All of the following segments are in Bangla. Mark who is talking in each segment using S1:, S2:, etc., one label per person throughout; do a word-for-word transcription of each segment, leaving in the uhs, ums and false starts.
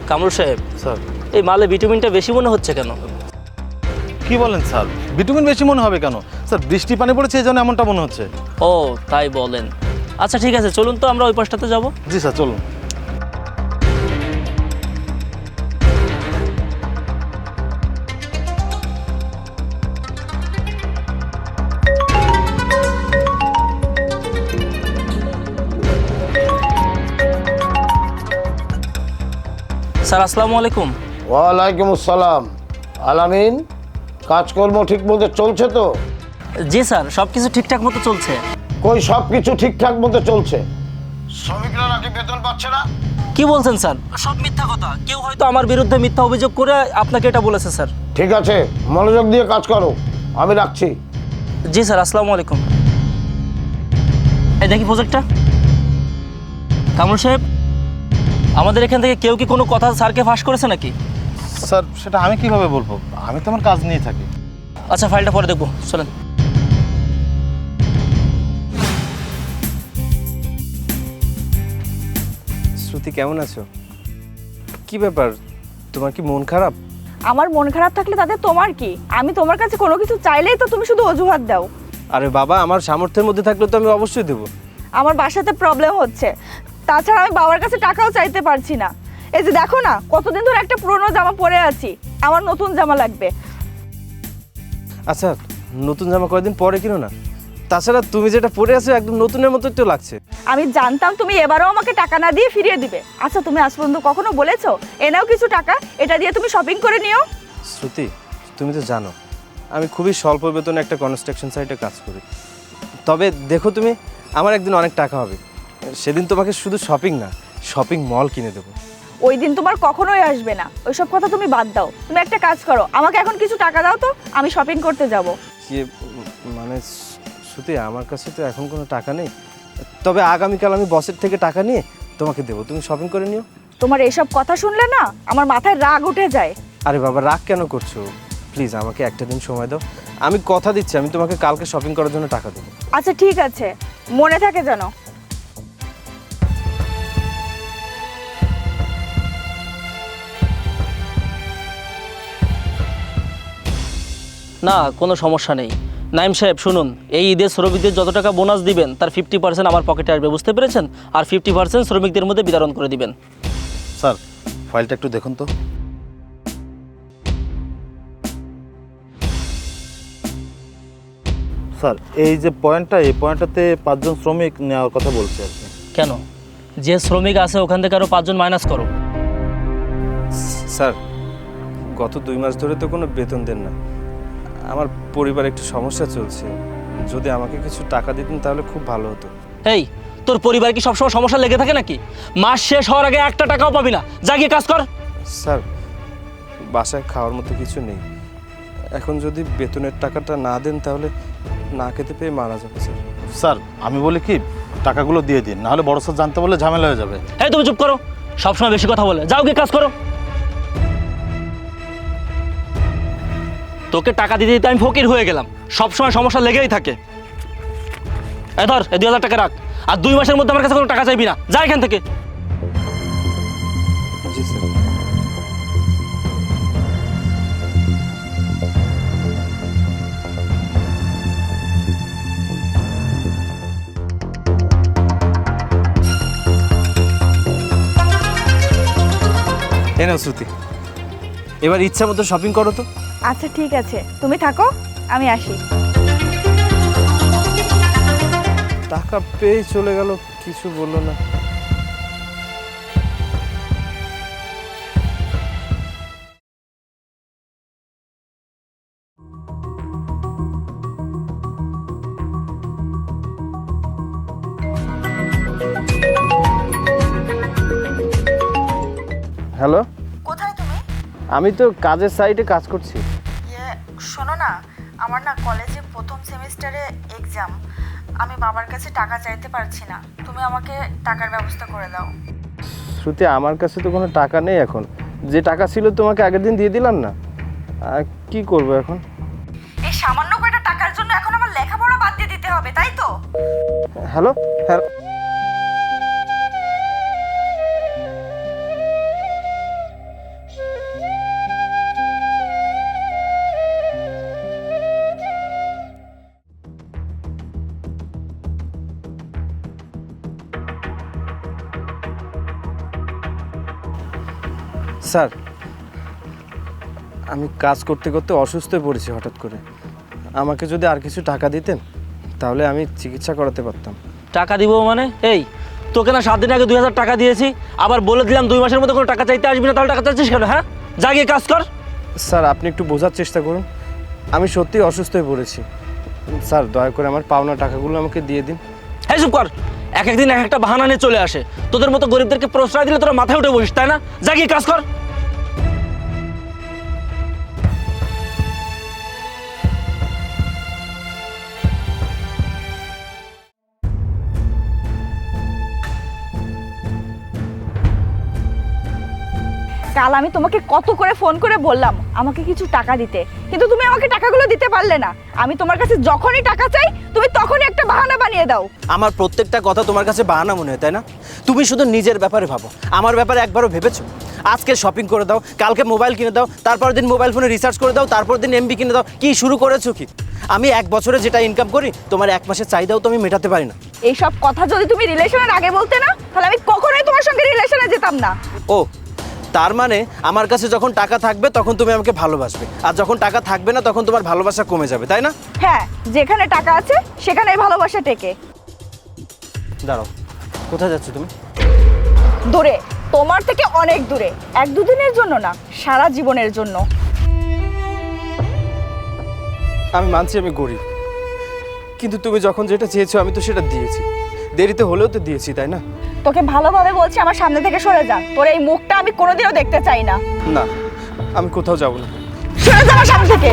S1: কামরুল সাহেব,
S2: স্যার
S1: এই মালে ভিটামিনটা বেশি মনে হচ্ছে কেন?
S2: কি বলেন স্যার? ভিটামিন বেশি মনে হবে কেন স্যার? বৃষ্টি পানি পড়েছে এই জন্য এমনটা মনে হচ্ছে।
S1: ও তাই বলেন। আচ্ছা ঠিক আছে, চলুন তো আমরা ওই পাশটাতে যাব।
S2: জি স্যার চলুন।
S1: স্যার আসসালামু আলাইকুম।
S3: ওয়ালাইকুম আসসালাম। আলামিন, কাজকর্ম ঠিক মতো চলছে তো?
S1: জি স্যার, সব কিছু ঠিকঠাক মতো চলছে।
S3: কই সব কিছু ঠিকঠাক মতো চলছে? শ্রমিকরা নাকি বেতন পাচ্ছে না?
S1: কি বলছেন স্যার? সব মিথ্যা কথা। কেউ হয়তো আমার বিরুদ্ধে মিথ্যা অভিযোগ করে আপনাকে এটা বলেছে স্যার।
S3: ঠিক আছে, মনোযোগ দিয়ে কাজ করো, আমি রাখছি।
S1: জি স্যার, আসসালামু আলাইকুম। এই দেখি প্রজেক্টটা। কামরুল সাহেব, আমাদের এখান থেকে কেউ কি কোনো কথা স্যারকে ফাঁস করেছে নাকি?
S2: স্যার সেটা আমি কিভাবে বলবো? আমি তো আমার কাজ নিয়ে থাকি।
S1: আচ্ছা ফাইলটা পরে দেখবো, চলেন।
S4: শ্রুতি কেমন আছো? কি ব্যাপার, তোমার কি মন খারাপ?
S5: আমার মন খারাপ থাকলে তাতে তোমার কি? আমি তোমার কাছে কোনো কিছু চাইলেই তো তুমি শুধু অজুহাত দাও।
S4: আরে বাবা, আমার সামর্থ্যের মধ্যে থাকলে তো আমি অবশ্যই দেবো।
S5: আমার বাসাতে প্রবলেম হচ্ছে, তাছাড়া আমি বাবার কাছে টাকাও চাইতে পারছি না। এই যে দেখো না, কতদিন ধরে একটা পুরনো জামা পরে আছি, আমার নতুন জামা লাগবে।
S4: আচ্ছা, নতুন জামা কয়েকদিন পরে কিনো না। তাছাড়া তুমি যেটা পরে আছো একদম নতুনের মতো একটু লাগছে।
S5: আমি জানতাম তুমি এবারও আমাকে টাকা না দিয়ে ফিরিয়ে দিবে। আচ্ছা তুমি আজ পর্যন্ত কখনো বলেছো এনাও কিছু টাকা, এটা দিয়ে তুমি শপিং করে নিও?
S4: শ্রুতি, তুমি তো জানো আমি খুবই স্বল্প বেতনে একটা কনস্ট্রাকশন সাইটে কাজ করি। তবে দেখো তুমি, আমার একদিন অনেক টাকা হবে, সেদিন তোমাকে শুধু শপিং না, শপিং মল কিনে দেবো।
S5: ওই দিন তোমার কখনোই আসবে না, ওইসব কথা তুমি বাদ দাও। তুমি একটা কাজ করো, আমাকে এখন কিছু টাকা দাও তো, আমি শপিং করতে যাব।
S4: কি মানে শ্রুতি, আমার কাছে তো এখন কোনো টাকা নেই, তবে আগামীকাল আমি বসের থেকে টাকা নিয়ে তোমাকে দেবো, তুমি শপিং করে নিও।
S5: তোমার এসব কথা শুনলে না আমার মাথায় রাগ উঠে যায়।
S4: আরে বাবা, রাগ কেন করছো? প্লিজ আমাকে একটা দিন সময় দাও, আমি কথা দিচ্ছি আমি তোমাকে কালকে শপিং করার জন্য টাকা দেবো।
S5: আচ্ছা ঠিক আছে, মনে থাকে যেন।
S1: না কোনো সমস্যা নেই। নাইম সাহেব শুনুন, এই ঈদের শ্রমিকদের যত টাকা বোনাস দিবেন তার ফিফটি পার্সেন্ট আমার পকেটে আসবে, বুঝতে পেরেছেন? আর ফিফটি পার্সেন্ট শ্রমিকদের মধ্যে বিতরণ করে দিবেন।
S2: স্যার ফাইলটা একটু দেখুন তো। স্যার এই যে পয়েন্টটা, এই পয়েন্টটাতে পাঁচজন শ্রমিক নেওয়ার কথা বলছে আর কি।
S1: কেন? যে শ্রমিক আছে ওখান থেকে আরও পাঁচজন মাইনাস করো।
S4: স্যার, গত দুই মাস ধরে তো কোনো বেতন দেন না, আমার পরিবার একটু সমস্যা চলছে, যদি আমাকে কিছু টাকা দিতেন তাহলে খুব ভালো হতো।
S1: এই তোর পরিবার কি সবসময় সমস্যা লেগে থাকে নাকি? মাস শেষ হওয়ার আগে একটা টাকাও পাবি না, যা গিয়ে কাজ কর।
S4: স্যার, বাসায় খাওয়ার মতো কিছু নেই, এখন যদি বেতনের টাকাটা না দেন তাহলে না খেতে পেয়ে মারা যাবে। স্যার
S2: স্যার আমি বলি কি, টাকাগুলো দিয়ে দিন, নাহলে বড় স্যার জানতে বললে ঝামেলা হয়ে যাবে।
S1: এই তুমি চুপ করো, সবসময় বেশি কথা বলে, যাও গিয়ে কাজ করো। তোকে টাকা দিতে দিতে আমি ফকির হয়ে গেলাম, সবসময় সমস্যা লেগেই থাকে। এই ধর, এই দুই হাজার টাকা রাখ, আর দুই মাসের মধ্যে আমার কাছে কোনো টাকা চাইবি না, যা এখান থেকে।
S4: জি স্যার। এই নাও শ্রুতি, এবার ইচ্ছা মতো শপিং করো তো।
S5: আচ্ছা ঠিক আছে, তুমি থাকো, আমি আসি।
S4: টাকা পেয়ে চলে গেল, কিছু বললো না। হ্যালো,
S5: কোথায় তুমি?
S4: আমি তো কাজের সাইটে কাজ করছি।
S5: ইয়ে শোনো না, আমার না কলেজে প্রথম সেমিস্টারে এক্সাম, আমি বাবার কাছে টাকা চাইতে পারছি না, তুমি আমাকে টাকার ব্যবস্থা করে দাও।
S4: শ্রুতি, আমার কাছে তো কোনো টাকা নেই এখন, যে টাকা ছিল তোমাকে আগের দিন দিয়ে দিলাম না, আর কি করব এখন?
S5: এই সামান্য কয়টা টাকার জন্য এখন আমার লেখাপড়া বাদ দিয়ে দিতে হবে, তাই তো?
S4: হ্যালো হ্যালো, স্যার, আমি কাজ করতে করতে অসুস্থ হয়ে পড়েছি হঠাৎ করে। আমাকে যদি আর কিছু টাকা দিতেন তাহলে আমি চিকিৎসা করাতে পারতাম।
S1: টাকা দিব মানে? এই তোকে না সাত দিন আগে দুই হাজার টাকা দিয়েছি, আবার বলে দিলাম দুই মাসের মধ্যে কোনো টাকা চাইতে আসবি না, তাহলে টাকা চাইছিস কেন? হ্যাঁ, যা গিয়ে কাজ কর।
S4: স্যার, আপনি একটু বোঝার চেষ্টা করুন, আমি সত্যিই অসুস্থ হয়ে পড়েছি। স্যার, দয়া করে আমার পাওনা টাকাগুলো আমাকে দিয়ে দিন।
S1: এই চুপ কর, এক একদিন এক একটা বাহানা নিয়ে চলে আসে। তোদের মতো গরিবদেরকে প্রশ্রয় দিলে তোরা মাথায় উঠে বসিস, তাই না? যা গিয়ে কাজ কর।
S5: কাল আমি তোমাকে কত করে ফোন করে বললাম আমাকে কিছু টাকা দিতে, কিন্তু তুমি আমাকে টাকাগুলো দিতে পারলে না। আমি তোমার কাছে যখনই টাকা চাই তুমি তখনই একটা বাহানা বানিয়ে দাও।
S4: আমার প্রত্যেকটা কথা তোমার কাছে বাহানা মনে হয়, তাই না? তুমি শুধু নিজের ব্যাপারে ভাবো, আমার ব্যাপারে একবারও ভেবেছো? আজকে শপিং করে দাও, কালকে মোবাইল কিনে দাও, তারপর দিন মোবাইল ফোনে রিচার্জ করে দাও, তারপর দিন এমবি কিনে দাও। কি শুরু করেছো কি? আমি এক বছরে যেটা ইনকাম করি তোমার এক মাসের চাহিদাও তো আমি মেটাতে পারি না।
S5: এইসব কথা যদি তুমি রিলেশনের আগে বলতে না, তাহলে আমি কখনোই তোমার সঙ্গে রিলেশনে যেতাম না।
S4: ও, তার মানে আমার কাছে যখন টাকা থাকবে তখন তুমি আমাকে ভালোবাসবে, আর যখন টাকা থাকবে না তখন তোমার ভালোবাসা কমে যাবে, তাই না?
S5: হ্যাঁ, যেখানে টাকা আছে সেখানেই ভালোবাসা টেকে।
S4: দাঁড়াও, কোথায় যাচ্ছ তুমি?
S5: দূরে, তোমার থেকে অনেক দূরে। এক দুদিনের জন্য না, সারা জীবনের জন্য।
S4: আমি মানছি আমি গরিব, কিন্তু তুমি যখন যেটা চেয়েছো আমি তো সেটা দিয়েছি, দেরিতে হলেও তো দিয়েছি, তাই না?
S5: তোকে ভালোভাবে বলছি আমার সামনে থেকে সরে যা। তোর এই মুখটা আমি কোনোদিনও দেখতে চাই না।
S4: না, আমি কোথাও যাব না।
S5: সরে যা আমার সামনে থেকে।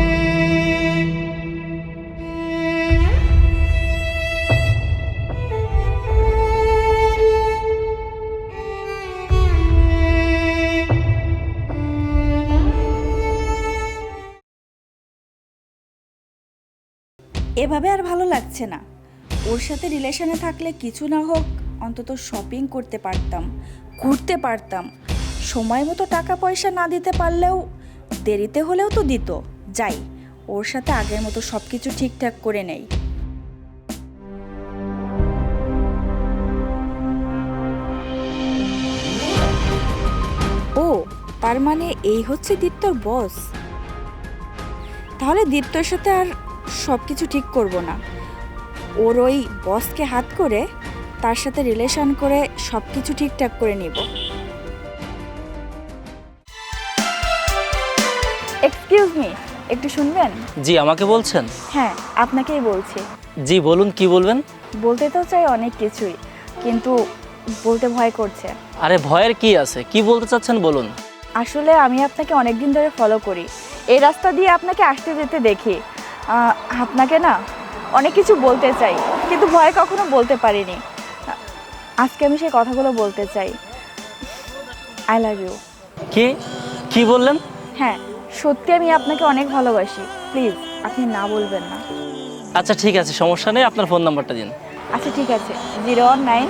S6: এভাবে আর ভালো লাগছে না। ওর সাথে রিলেশনে থাকলে কিছু না হোক অন্তত শপিং করতে পারতাম, ঘুরতে পারতাম। সময় মতো টাকা পয়সা না দিতে পারলেও দেরিতে হলেও তো দিত। যাই, ওর সাথে আগের মতো সব কিছু ঠিকঠাক করে নেই। ও, তার মানে এই হচ্ছে দীপ্তর বস। তাহলে দীপ্তর সাথে আর সব কিছু ঠিক করব না, ওর ওই বসকে হাত করে তার সাথে রিলেশন করে সব কিছু ঠিকঠাক করে নিব।
S5: এক্সকিউজ মি, একটু শুনবেন?
S1: জি, আমাকে বলছেন?
S5: হ্যাঁ, আপনাকেই বলছি।
S1: জি বলুন, কি বলবেন?
S5: বলতে তো চাই অনেক কিছুই, কিন্তু বলতে ভয় করছে।
S1: আরে ভয়ের কি আছে, কি বলতে চাচ্ছেন বলুন।
S5: আসলে আমি আপনাকে অনেক দিন ধরে ফলো করি, এই রাস্তা দিয়ে আপনাকে আসতে যেতে দেখি। আহ, আপনাকে না অনেক কিছু বলতে চাই, কিন্তু ভয়ে কখনো বলতে পারিনি। আজকে আমি সেই কথাগুলো বলতে চাই। I love you.
S1: কি কি বললেন?
S5: হ্যাঁ, সত্যি আমি আপনাকে অনেক ভালোবাসি। প্লিজ আপনি না বলবেন না।
S1: আচ্ছা ঠিক আছে, সমস্যা নেই, আপনার ফোন নাম্বারটা দিন।
S5: আচ্ছা ঠিক আছে, জিরো ওয়ান নাইন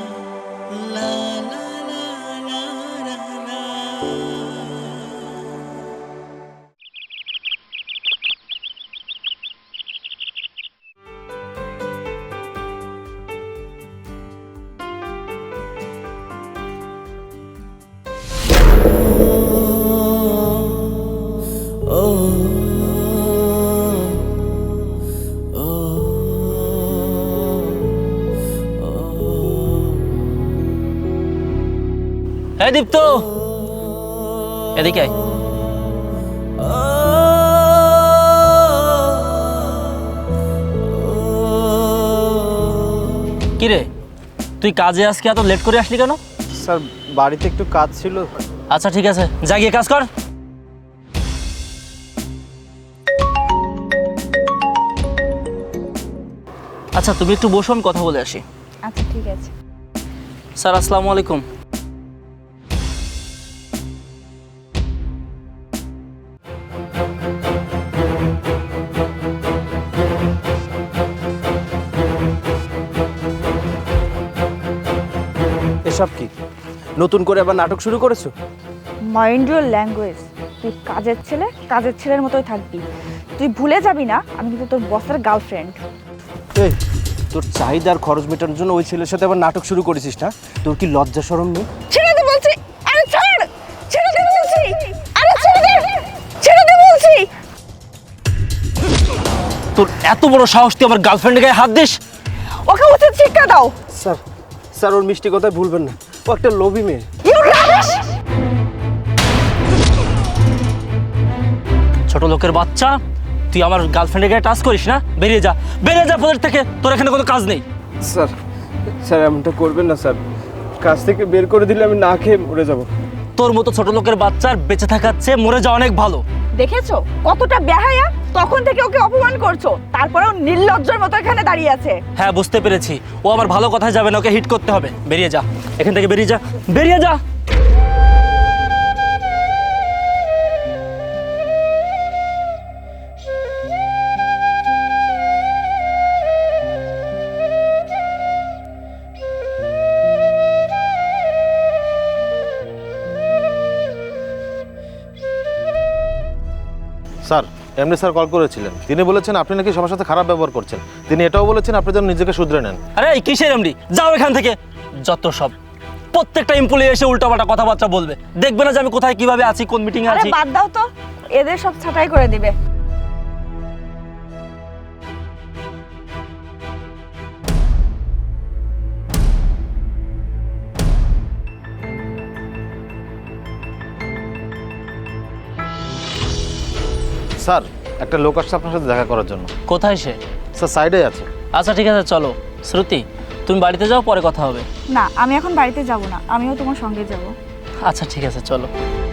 S1: এই দীপ্ত, এদিকে আয়। কিরে, তুই কাজে আজকে এত লেট করে আসলি কেন?
S4: স্যার, বাড়িতে একটু কাজ ছিল।
S1: আচ্ছা ঠিক আছে, যা গিয়ে কাজ কর। আচ্ছা তুমি একটু বসো, আমি কথা বলে আসি।
S5: আচ্ছা ঠিক আছে।
S1: স্যার আসসালামু আলাইকুম।
S4: এসব কি নতুন করে আবার নাটক শুরু করেছো?
S5: Mind your language. তুই কাজের ছেলে কাজের ছেলের মতোই থাকবি। তুই ভুলে যাবি না আমি কিন্তু তোর বসের গার্লফ্রেন্ড।
S4: এই, তোর চাহিদার খরচ মেটানোর জন্য ওই ছেলের সাথে আবার নাটক শুরু করেছিস না? তোর কি লজ্জা শরম নেই?
S5: ছেড়ে দে বলছি। আরে ছাড়, ছেড়ে দে
S1: তোর এত বড় সাহস, তুই আমার গার্লফ্রেন্ডের গায়ে হাত দিস?
S5: ওকে উচিত শিক্ষা দাও।
S4: স্যার স্যার ওর মিষ্টি কথায় ভুলবেন না, ও একটা লোভী মেয়ে।
S5: You rubbish!
S1: ছোট লোকের বাচ্চা, তুই আমার গার্লফ্রেন্ডের গায়ে টাচ করিস না? বেরিয়ে যা, বেরিয়ে যা প্রজেক্ট থেকে, তোর এখানে কোনো কাজ নেই।
S4: স্যার স্যার এমনটা করবেন না স্যার, কাজ থেকে বের করে দিলে আমি না খেয়ে মরে যাব।
S1: তোর মতো ছোট লোকের বাচ্চার বেঁচে থাকার চেয়ে মরে যাওয়া অনেক ভালো।
S5: দেখেছো কতটা বেহায়া? তখন থেকে ওকে অপমান করছো, তারপরেও নির্লজ্জের মতো এখানে দাঁড়িয়ে আছে।
S1: হ্যাঁ বুঝতে পেরেছি, ও আমার ভালো কথায় যাবে না, ওকে হিট করতে হবে। বেরিয়ে যা এখান থেকে, বেরিয়ে যা, বেরিয়ে যা।
S2: স্যার, এমনি স্যার কল করেছিলেন। তিনি বলেছেন আপনি নাকি সবার সাথে খারাপ ব্যবহার করছেন। তিনি এটাও বলেছেন আপনি যেন নিজেকে শুধরে নেন।
S1: আরে এই কিসের এমডি, যাও এখান থেকে। যত সব, প্রত্যেকটা এমপ্লয়ি এসে উল্টাপাল্টা কথাবার্তা বলবে, দেখবে না যে আমি কোথায় কিভাবে আছি, কোন মিটিং এ
S5: আরে
S1: আছি।
S5: বাদ দাও তো, এদের সব ছাঁটাই করে দিবে।
S2: স্যার, একটা লোক আসছে আপনার সাথে দেখা করার জন্য।
S1: কোথায় সে?
S2: স্যার সাইডে আছে।
S1: আচ্ছা ঠিক আছে, চলো। শ্রুতি, তুমি বাড়িতে যাও, পরে কথা হবে।
S5: না, আমি এখন বাড়িতে যাব না, আমিও তোমার সঙ্গে যাব।
S1: আচ্ছা ঠিক আছে, চলো।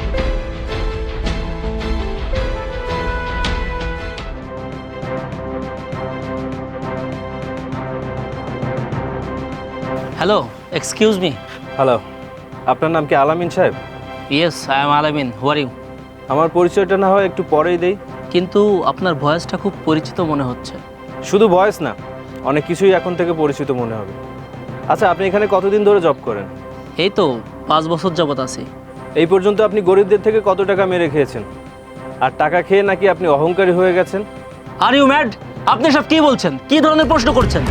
S1: Hello, excuse me.
S4: হ্যালো, আপনার নাম কি আলামিন সাহেব?
S1: Yes, I am Alamin. Who are you?
S4: আমার পরিচয়টা না হয় একটু পরেই দেই।
S1: কিন্তু আপনার ভয়েসটা খুব পরিচিত মনে হচ্ছে।
S4: শুধু ভয়েস না, অনেক কিছুই এখন থেকে পরিচিত মনে হবে। আচ্ছা, আপনি এখানে কতদিন ধরে জব করেন?
S1: এই তো পাঁচ বছর যাবত আছি।
S4: এই পর্যন্ত আপনি গরিবদের থেকে কত টাকা মেরে খেয়েছেন? আর টাকা খেয়ে নাকি আপনি অহংকারী হয়ে গেছেন?
S1: Are you mad? আপনি সব কি বলছেন? কি ধরনের প্রশ্ন করছেন?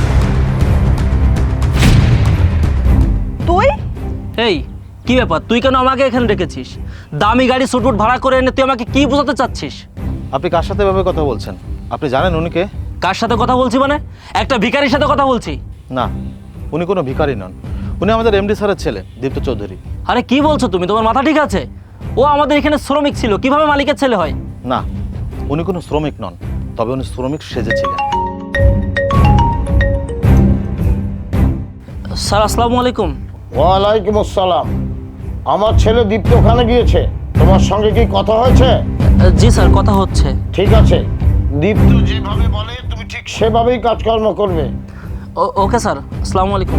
S5: তুই?
S1: এই কি ব্যাপার, তুই কেন আমাকে এখানে রেখেছিস? দামি গাড়ি সুটবুট ভাড়া করে এনে তুই আমাকে কি বোঝাতে চাচ্ছিস?
S2: আপনি কার সাথে এভাবে কথা বলছেন? আপনি জানেন উনি কে?
S1: কার সাথে কথা বলছি মানে? একটা ভিখারির সাথে কথা বলছি।
S2: না, উনি কোনো ভিখারি নন। উনি আমাদের এমডি স্যারের ছেলে, দীপ্ত চৌধুরী।
S1: আরে কি বলছো তুমি? তোমার মাথা ঠিক আছে? ও আমাদের এখানে শ্রমিক ছিল, কিভাবে মালিকের ছেলে হয়?
S2: না, উনি কোনো শ্রমিক নন, তবে উনি শ্রমিক সেজেছিলেন।
S1: স্যার আসসালামু আলাইকুম।
S3: ওয়ালাইকুম আসসালাম। আমার ছেলে দীপ্ত ওখানে গিয়েছে, তোমার সঙ্গে কি কথা হয়েছে?
S1: জি স্যার, কথা হচ্ছে।
S3: ঠিক আছে, দীপ্ত যেভাবে বলে তুমি ঠিক সেভাবেই কাজকর্ম করবে।
S1: ও- ওকে স্যার, আসসালামু আলাইকুম।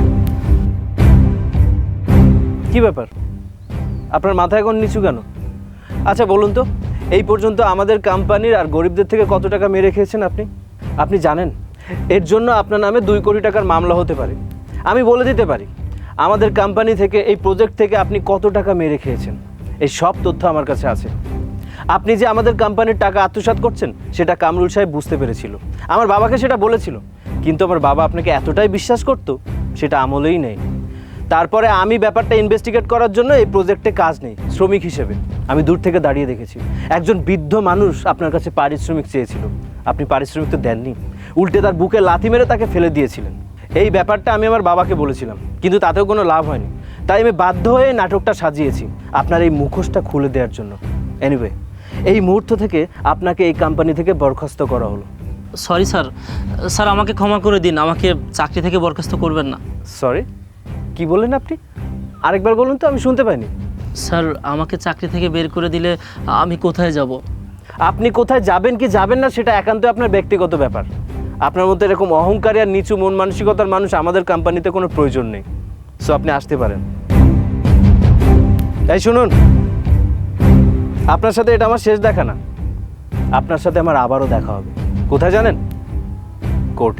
S4: কি ব্যাপার, আপনার মাথা এখন নিচু কেন? আচ্ছা বলুন তো, এই পর্যন্ত আমাদের কোম্পানির আর গরিবদের থেকে কত টাকা মেরে খেয়েছেন আপনি? আপনি জানেন এর জন্য আপনার নামে দুই কোটি টাকার মামলা হতে পারে। আমি বলে দিতে পারি আমাদের কোম্পানি থেকে, এই প্রজেক্ট থেকে আপনি কত টাকা মেরে খেয়েছেন। এই সব তথ্য আমার কাছে আছে। আপনি যে আমাদের কোম্পানির টাকা আত্মসাৎ করছেন সেটা কামরুল সাহেব বুঝতে পেরেছিল, আমার বাবাকে সেটা বলেছিল, কিন্তু আমার বাবা আপনাকে এতটাই বিশ্বাস করতো সেটা আমলেই নেই। তারপরে আমি ব্যাপারটা ইনভেস্টিগেট করার জন্য এই প্রজেক্টে কাজ নেই শ্রমিক হিসেবে আমি দূর থেকে দাঁড়িয়ে দেখেছি। একজন বৃদ্ধ মানুষ আপনার কাছে পারিশ্রমিক চেয়েছিল, আপনি পারিশ্রমিক তো দেননি, উল্টে তার বুকে লাথি মেরে তাকে ফেলে দিয়েছিলেন। এই ব্যাপারটা আমি আমার বাবাকে বলেছিলাম, কিন্তু তাতেও কোনো লাভ হয়নি। তাই আমি বাধ্য হয়ে নাটকটা সাজিয়েছি আপনার এই মুখোশটা খুলে দেওয়ার জন্য। এনিওয়ে, এই মুহূর্ত থেকে আপনাকে এই কোম্পানি থেকে বরখাস্ত করা হলো।
S1: সরি স্যার, স্যার আমাকে ক্ষমা করে দিন, আমাকে চাকরি থেকে বরখাস্ত করবেন না।
S4: সরি? কি বললেন আপনি? আরেকবার বলুন তো, আমি শুনতে পাইনি।
S1: স্যার আমাকে চাকরি থেকে বের করে দিলে আমি কোথায় যাব?
S4: আপনি কোথায় যাবেন কি যাবেন না সেটা একান্ত আপনার ব্যক্তিগত ব্যাপার। আপনার মধ্যে এরকম অহংকারী আর নিচু মন মানসিকতার মানুষ আমাদের কোম্পানিতে কোনো প্রয়োজন নেই। সো আপনি আসতে পারেন। এই শুনুন, আপনার সাথে এটা আমার শেষ দেখা না, আপনার সাথে আমার আবারও দেখা হবে। কোথায় জানেন? কোর্টে।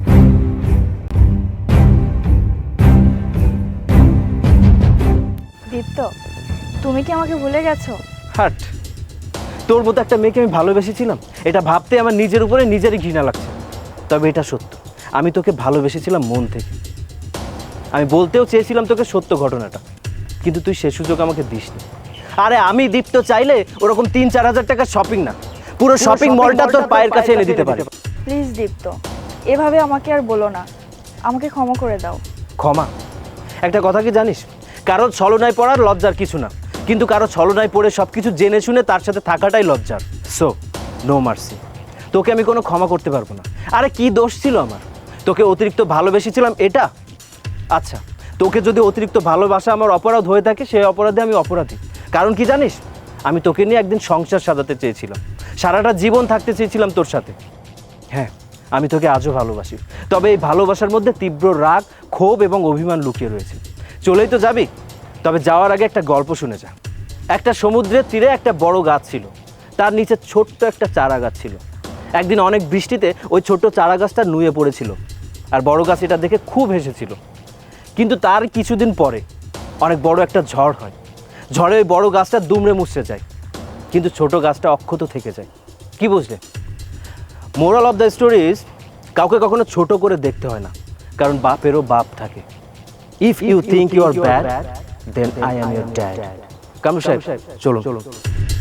S5: দীপ্ত, তুমি কি আমাকে ভুলে গেছো?
S4: হাট, তোর মতো একটা মেয়েকে আমি ভালোবেসেছিলাম, এটা ভাবতে আমার নিজের উপরে নিজেরই ঘৃণা লাগছে। তবে এটা সত্য, আমি তোকে ভালোবেসেছিলাম মন থেকে। আমি বলতেও চেয়েছিলাম তোকে সত্য ঘটনাটা, কিন্তু তুই সে সুযোগ আমাকে দিসনি। আরে আমি দীপ্ত চাইলে ওরকম তিন চার হাজার টাকার শপিং না, পুরো শপিং মলটা তোর পায়ের কাছে এনে দিতে পারে।
S5: প্লিজ দীপ্ত, এভাবে আমাকে আর বলো না, আমাকে ক্ষমা করে দাও।
S4: ক্ষমা? একটা কথা কি জানিস, কারো ছলনায় পড়ার লজ্জার কিছু না, কিন্তু কারো ছলনায় পড়ে সব কিছু জেনে শুনে তার সাথে থাকাটাই লজ্জার। সো নো মার্সি, তোকে আমি কোনো ক্ষমা করতে পারবো না। আরে কি দোষ ছিল আমার? তোকে অতিরিক্ত ভালোবেসেছিলাম এটা? আচ্ছা, তোকে যদি অতিরিক্ত ভালোবাসা আমার অপরাধ হয়ে থাকে, সেই অপরাধে আমি অপরাধী। কারণ কি জানিস, আমি তোকে নিয়ে একদিন সংসার সাজাতে চেয়েছিলাম, সারাটা জীবন থাকতে চেয়েছিলাম তোর সাথে। হ্যাঁ, আমি তোকে আজও ভালোবাসি, তবে এই ভালোবাসার মধ্যে তীব্র রাগ, ক্ষোভ এবং অভিমান লুকিয়ে রয়েছে। চলেই তো যাবি, তবে যাওয়ার আগে একটা গল্প শুনে যা। একটা সমুদ্রের তীরে একটা বড় গাছ ছিল, তার নিচে ছোট্ট একটা চারা গাছ ছিল। একদিন অনেক বৃষ্টিতে ওই ছোট্ট চারা গাছটা নুয়ে পড়েছিল, আর বড় গাছ এটা দেখে খুব হেসেছিল। কিন্তু তার কিছুদিন পরে অনেক বড় একটা ঝড় হয়। ঝড়ে ওই বড় গাছটা দুমড়ে মুছড়ে যায়, কিন্তু ছোট গাছটা অক্ষত থেকে যায়। কি বুঝলে? Moral of the story is, কাউকে কখনো ছোট করে দেখতে হয় না, কারণ বাপেরও বাপ থাকে। If you think you are bad, then I am your dad. Kamru সাহেব, চলো চলো।